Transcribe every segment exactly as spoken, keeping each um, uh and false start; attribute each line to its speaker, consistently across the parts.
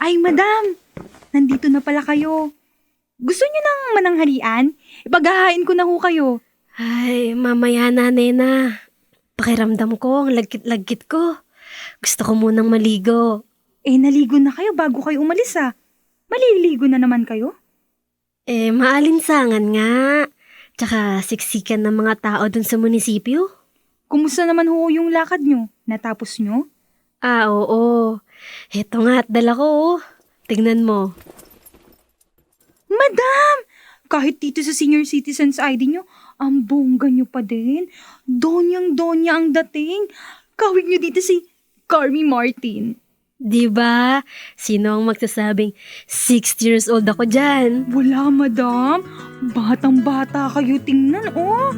Speaker 1: Ay, madam! Nandito na pala kayo. Gusto niyo ng mananghalian? Ipaghahain ko na ho kayo.
Speaker 2: Ay, mamaya na, Nena. Pakiramdam ko, ang lagkit-lagkit ko. Gusto ko munang maligo.
Speaker 1: Eh, naligo na kayo bago kayo umalis ah. Maliligo na naman kayo?
Speaker 2: Eh, maalinsangan nga. Tsaka siksikan ng mga tao dun sa munisipyo.
Speaker 1: Kumusta naman ho yung lakad nyo? Natapos nyo?
Speaker 2: Ah, oo. Heto nga at dala ko, oh. Tignan mo.
Speaker 1: Madam! Kahit dito sa senior citizens I D nyo, ang bongga nyo pa din. Donyang-donya ang dating. Kawig nyo dito si Carmi Martin.
Speaker 2: Di ba? Sino ang magsasabing sixty years old ako dyan?
Speaker 1: Wala, madam. Batang-bata kayo tingnan, oh.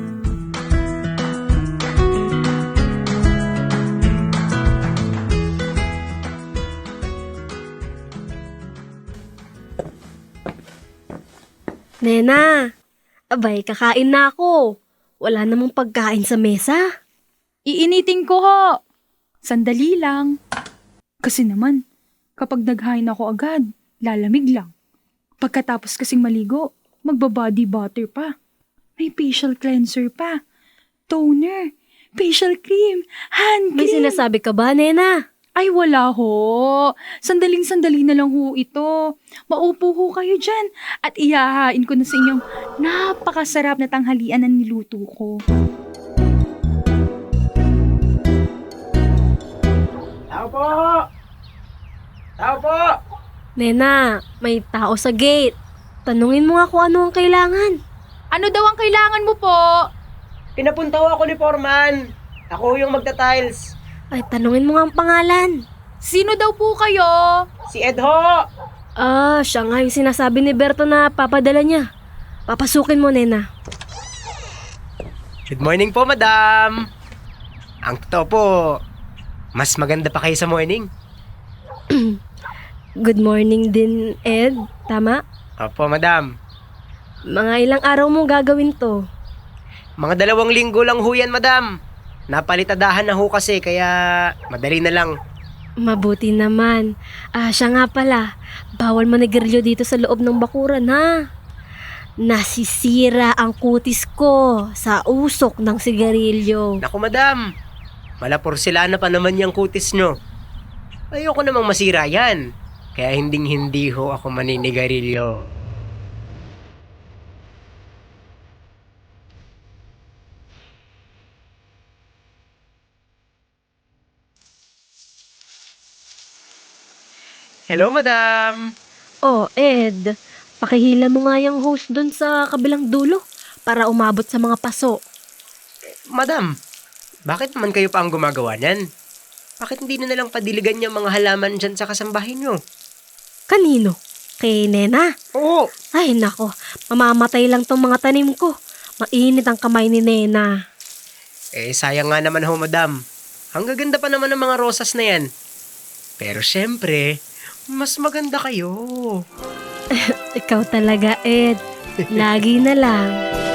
Speaker 2: Nena, abay, kakain na ako. Wala namang pagkain sa mesa.
Speaker 1: Iinitin ko ho. Sandali lang. Kasi naman, kapag naghain ako agad, lalamig lang. Pagkatapos kasing maligo, magbabody butter pa. May facial cleanser pa. Toner, facial cream, hand
Speaker 2: May
Speaker 1: cream.
Speaker 2: sinasabi ka ba, Nena?
Speaker 1: Ay wala ho. Sandaling-sandali na lang ho ito. Maupo ho kayo dyan at ihahain ko na sa inyong napakasarap na tanghalian na niluto ko.
Speaker 3: Tao po! Tao po!
Speaker 2: Nena, may tao sa gate. Tanungin mo nga kung ano ang kailangan.
Speaker 1: Ano daw ang kailangan mo po?
Speaker 3: Pinapunta ho ako ni Foreman. Ako yung magta-tiles.
Speaker 2: Ay, tanungin mo nga ang pangalan.
Speaker 1: Sino daw po kayo?
Speaker 3: Si Ed ho!
Speaker 2: Ah, siya nga yung sinasabi ni Berto na papadala niya. Papasukin mo, Nena.
Speaker 3: Good morning po, madam. Ang totoo po, mas maganda pa kayo sa morning.
Speaker 2: Good morning din, Ed. Tama?
Speaker 3: Opo, madam.
Speaker 2: Mga ilang araw mo gagawin to?
Speaker 3: Mga dalawang linggo lang ho yan, madam. Napalitadahan na ho kasi, kaya madali na lang.
Speaker 2: Mabuti naman. Ah, siya nga pala. Bawal manigarilyo dito sa loob ng bakuran, ha? Nasisira ang kutis ko sa usok ng sigarilyo.
Speaker 3: Naku, madam. Malaporselana pa naman yung kutis nyo. Ayoko namang masira yan. Kaya hinding-hindi ho ako maninigarilyo. Hello, madam.
Speaker 2: Oh, Ed. Pakihila mo nga yung hose dun sa kabilang dulo para umabot sa mga paso.
Speaker 3: Madam, bakit naman kayo pa ang gumagawa niyan? Bakit hindi na nalang padiligan yung mga halaman dyan sa kasambahin nyo?
Speaker 2: Kanino? Kay Nena?
Speaker 3: Oo.
Speaker 2: Ay, nako. Mamamatay lang tong mga tanim ko. Mainit ang kamay ni Nena.
Speaker 3: Eh, sayang nga naman ho, madam. Ang gaganda pa naman ng mga rosas na yan. Pero syempre, mas maganda kayo.
Speaker 2: Ikaw talaga, Ed. Lagi na lang.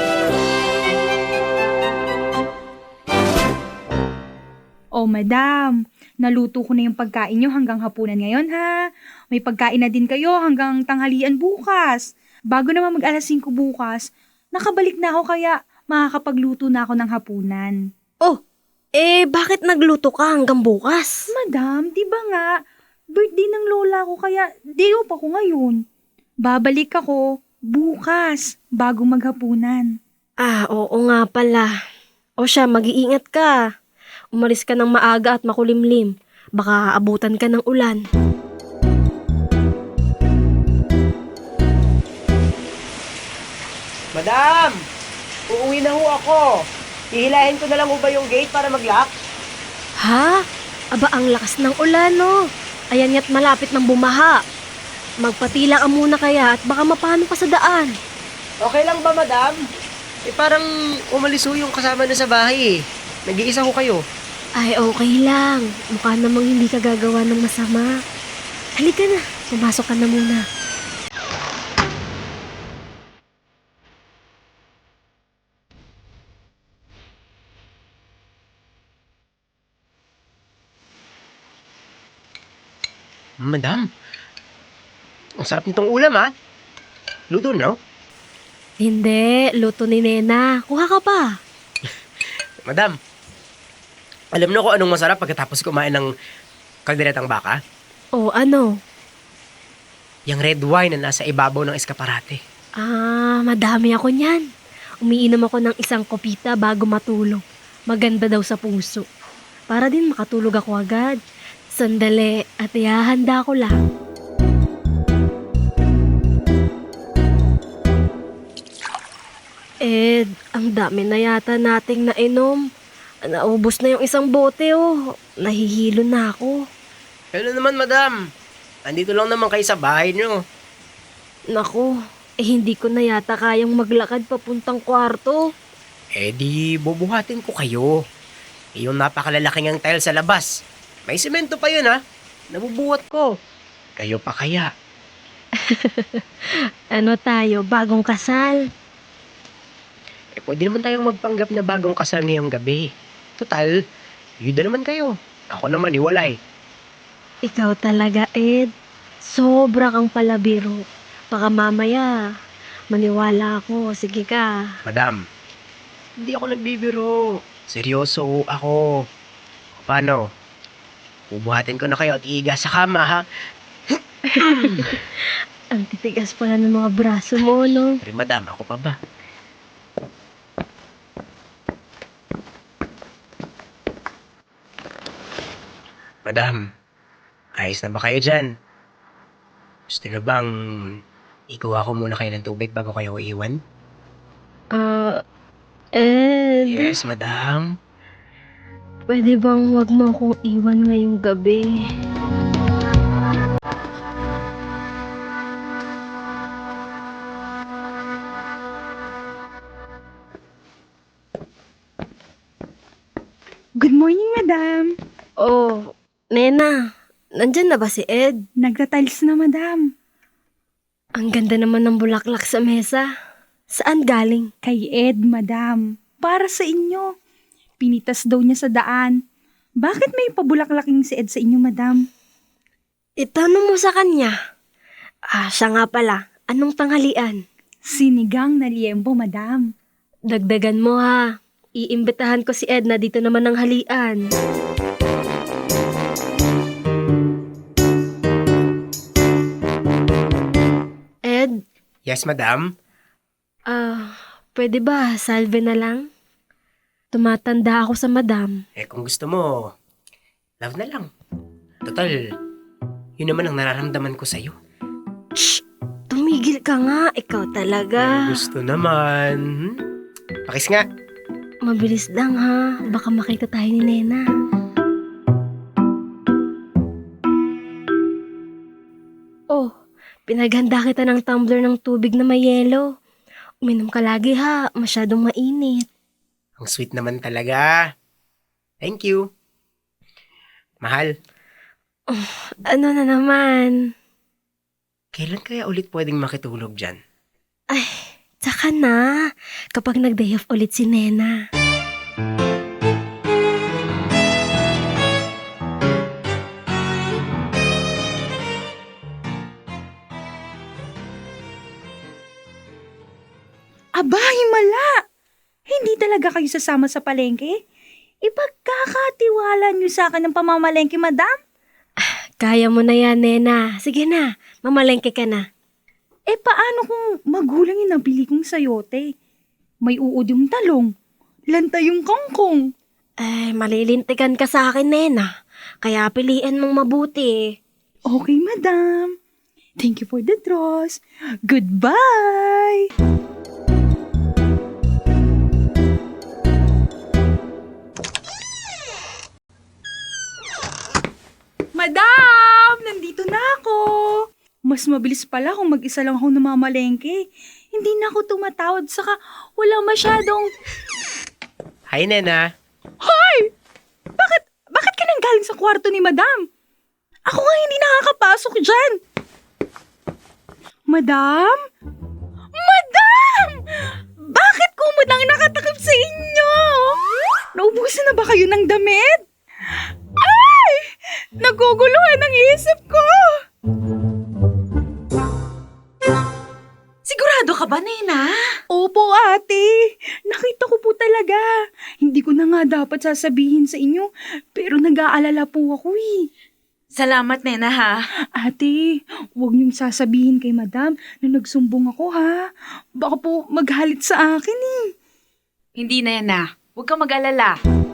Speaker 1: Oh, madam. Naluto ko na yung pagkain nyo hanggang hapunan ngayon, ha? May pagkain na din kayo hanggang tanghalian bukas. Bago naman mag alas singko bukas, nakabalik na ako kaya makakapagluto na ako ng hapunan.
Speaker 2: Oh, eh bakit nagluto ka hanggang bukas?
Speaker 1: Madam, di ba nga, birthday ng lola ko kaya day off ako ngayon. Babalik ako bukas bago maghapunan.
Speaker 2: Ah, oo nga pala. O siya, mag-iingat ka. Umalis ka ng maaga at makulimlim. Baka abutan ka ng ulan.
Speaker 3: Madam, uuwi na ho ako. Hihilahin ko na lang ho ba yung gate para mag-lock?
Speaker 2: Ha? Aba, ang lakas ng ulan, no? Ayan ya't malapit ng bumaha. Magpatila ka muna kaya at baka mapano ka sa daan.
Speaker 3: Okay lang ba, madam? Eh, parang umalis ho yung kasama na sa bahay eh. Nag-iisa ho kayo.
Speaker 2: Ay, okay lang. Mukha namang hindi ka gagawa ng masama. Halika na, pumasok ka na muna.
Speaker 3: Madam, Ang sarap nitong ulam, ha? Luto, no?
Speaker 2: Hindi, luto ni Nena. Kuha ka pa.
Speaker 3: Madam, alam niyo kung anong masarap pagkatapos kumain ng kalderetang baka?
Speaker 2: O ano?
Speaker 3: Yung red wine na nasa ibabaw ng eskaparate.
Speaker 2: Ah, madami ako niyan. Umiinom ako ng isang kopita bago matulog. Maganda daw sa puso. Para din makatulog ako agad. Sandali, at ihahanda ko lang. Ed, ang dami na yata nating nainom. Naubos na yung isang bote oh. Nahihilo na ako.
Speaker 3: Ano naman, madam? Andito lang naman kayo sa bahay niyo.
Speaker 2: Naku, eh hindi ko na yata kayang maglakad papuntang kwarto.
Speaker 3: Eh di, bubuhatin ko kayo. Eh, yung napakalalaking ang tile sa labas. May semento pa yun, ha? Nabubuhat ko. Kayo pa kaya?
Speaker 2: Ano tayo, bagong kasal?
Speaker 3: Eh, pwede naman tayong magpanggap na bagong kasal ngayong gabi. Total, yuda naman kayo. Ako naman, iwalay.
Speaker 2: Ikaw talaga, Ed. Sobra kang palabiro. Baka mamaya, maniwala ako. Sige ka.
Speaker 3: Madam, hindi ako nagbibiro. Seryoso ako. Paano? Bubuhatin ko na kayo at iiga sa kama, ha?
Speaker 2: Ang titigas pala ng mga braso mo, no?
Speaker 3: Pero madam, ako pa ba? Madam, ayos na ba kayo dyan? Gusto na bang ikuha ko muna kayo ng tubig bago kayo iwan?
Speaker 2: Ah, Ed.
Speaker 3: Yes, madam.
Speaker 2: Pwede bang wag mo akong iwan ngayong gabi?
Speaker 1: Good morning, madam.
Speaker 2: Oh, Nena, nandyan na ba si Ed?
Speaker 1: Nagtatiles na, madam.
Speaker 2: Ang ganda naman ng bulaklak sa mesa. Saan galing?
Speaker 1: Kay Ed, madam. Para sa inyo. Pinitas daw niya sa daan. Bakit may pabulaklaking si Ed sa inyo, madam?
Speaker 2: Itanong mo sa kanya. Ah, siya nga pala. Anong tanghalian?
Speaker 1: Sinigang na liembo, madam.
Speaker 2: Dagdagan mo ha. Iimbitahan ko si Ed na dito naman ng halian. Ed,
Speaker 3: Yes, madam.
Speaker 2: ah, pwede ba salve na lang? Tumatanda ako sa madam.
Speaker 3: Eh, kung gusto mo, love na lang. Total, yun naman ang nararamdaman ko sa'yo.
Speaker 2: Shh! Tumigil ka nga, ikaw talaga.
Speaker 3: Eh, gusto naman. Hmm? Pakis nga.
Speaker 2: Mabilis lang ha, baka makita tayo ni Nena. Oh, pinaghanda kita ng tumbler ng tubig na may yelo. Uminom ka lagi ha, masyadong mainit.
Speaker 3: Ang sweet naman talaga. Thank you. Mahal,
Speaker 2: Ano na naman?
Speaker 3: kailan kaya ulit pwedeng makitulog dyan?
Speaker 2: Ay, tsaka na, kapag nag-day off ulit si Nena.
Speaker 1: Aba, himala! Hindi talaga kayo sasama sa palengke? Ipagkakatiwala niyo sa akin ng pamamalengke, madam?
Speaker 2: Kaya mo na yan, Nena. Sige na, mamalengke ka na.
Speaker 1: Eh, paano kung magulang yung nabili kong sayote? May uod yung talong, lanta yung kangkong.
Speaker 2: Eh, malilintikan ka sa akin, Nena. Kaya piliin mong mabuti.
Speaker 1: Okay, madam. Thank you for the draws. Goodbye! Madam! Nandito na ako! Mas mabilis pala kung mag-isa lang ako namamalengke. Hindi na ako tumatawad, saka wala masyadong...
Speaker 3: Hi, Nena.
Speaker 1: Hoy! Bakit, bakit ka nang galing sa kwarto ni madam? Ako nga hindi nakakapasok dyan. Madam? Madam! Bakit kumudang nakatakip sa inyo? Naubusan na ba kayo ng damit? Ay! Naguguluhan ang isip ko!
Speaker 4: ka ba, Nena?
Speaker 1: Opo, ate. Nakita ko po talaga. Hindi ko na nga dapat sasabihin sa inyo, pero nag-aalala po ako eh.
Speaker 4: Salamat, Nena, ha?
Speaker 1: Ate, huwag niyong sasabihin kay madam na nagsumbong ako ha. Baka po maghalit sa akin eh.
Speaker 4: Hindi, Nena. Huwag kang mag-alala.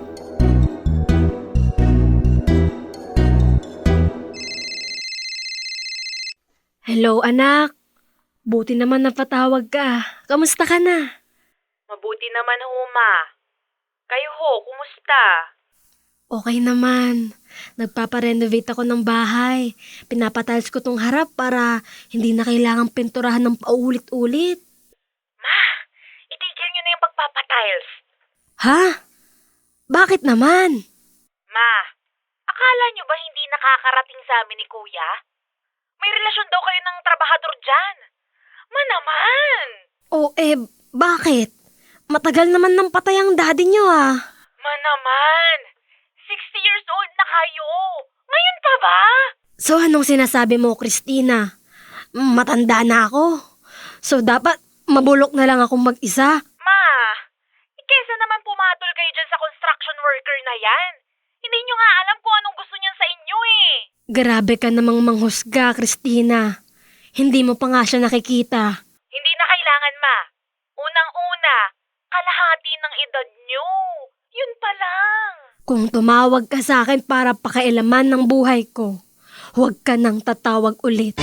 Speaker 2: Hello, anak. Buti naman napatawag ka. Kamusta ka na?
Speaker 5: Mabuti naman ho, ma. Kayo ho, kumusta?
Speaker 2: Okay naman. Nagpaparenovate ako ng bahay. Pinapatiles ko tong harap para hindi na kailangang pinturahan ng paulit-ulit.
Speaker 5: Ma, itigil nyo na yung pagpapatiles.
Speaker 2: Ha? Bakit naman?
Speaker 5: Ma, akala nyo ba hindi nakakarating sa amin ni Kuya? May relasyon daw kayo ng trabahador dyan. Ma naman!
Speaker 2: O eh, bakit? Matagal naman nang patay ang daddy nyo ah.
Speaker 5: Ma naman! sixty years old na kayo! Ngayon pa ba?
Speaker 2: So anong sinasabi mo, Christina? Matanda na ako. So dapat mabulok na lang akong mag-isa.
Speaker 5: Ma, eh, kesa naman pumatol kayo dyan sa construction worker na yan. Hindi nyo nga alam kung anong gusto niyan sa inyo eh.
Speaker 2: Grabe ka namang manghusga, Christina. Hindi mo pa nga siya nakikita.
Speaker 5: Hindi na kailangan, ma. Unang-una, kalahati ng edad nyo. Yun pa lang.
Speaker 2: Kung tumawag ka sa akin para pakailaman ng buhay ko, huwag ka nang tatawag ulit.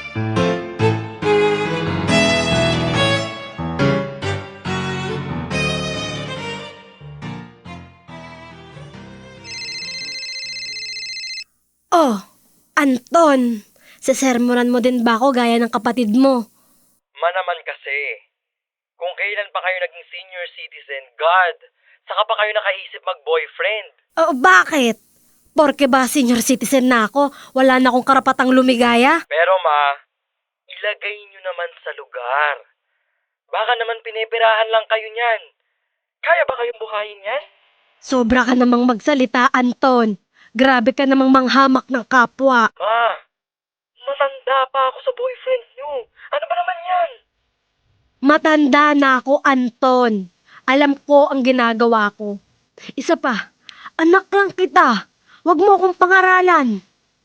Speaker 2: Oh, Anton, sesermonan mo din ba ako gaya ng kapatid mo?
Speaker 6: Ma naman kasi. Kung kailan pa kayo naging senior citizen, God, saka pa kayo nakaisip mag-boyfriend.
Speaker 2: Oh, bakit? Porke ba senior citizen na ako, wala na akong karapatang lumigaya?
Speaker 6: Pero ma, ilagay nyo naman sa lugar. Baka naman pinipirahan lang kayo niyan. Kaya ba kayong buhayin yan?
Speaker 2: Sobra ka namang magsalita, Anton. Grabe ka namang manghamak ng kapwa.
Speaker 6: Ma, matanda pa ako sa boyfriend nyo. Ano ba naman yan?
Speaker 2: Matanda na ako, Anton. Alam ko ang ginagawa ko. Isa pa, anak lang kita. Huwag mo akong pangaralan.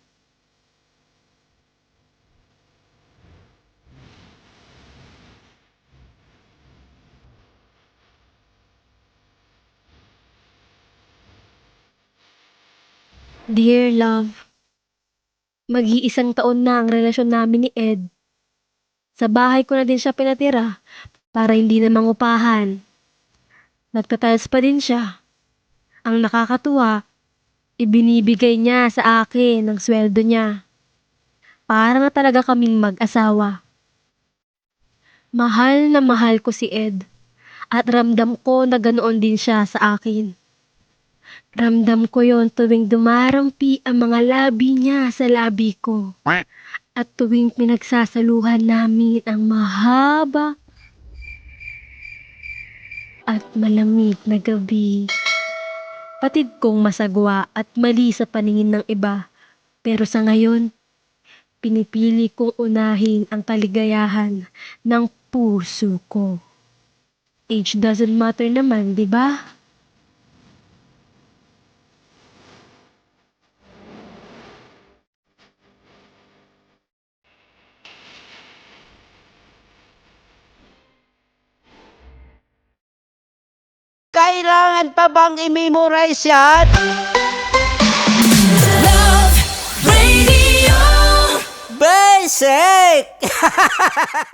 Speaker 2: Dear love, mag-iisang taon na ang relasyon namin ni Ed. Sa bahay ko na din siya pinatira para hindi na mangupahan. Nagtatiles pa din siya. Ang nakakatuwa, ibinibigay niya sa akin ang sweldo niya. Para na talaga kaming mag-asawa. Mahal na mahal ko si Ed at ramdam ko na ganoon din siya sa akin. Ramdam ko yon tuwing dumarampi ang mga labi niya sa labi ko. At tuwing pinagsasaluhan namin ang mahaba at malamig na gabi. Patid kong masagwa at mali sa paningin ng iba. Pero sa ngayon, pinipili kong unahin ang kaligayahan ng puso ko. Age doesn't matter naman, di ba?
Speaker 7: Kailangan pa bang i-memorize yan?
Speaker 8: Radio
Speaker 7: Basic!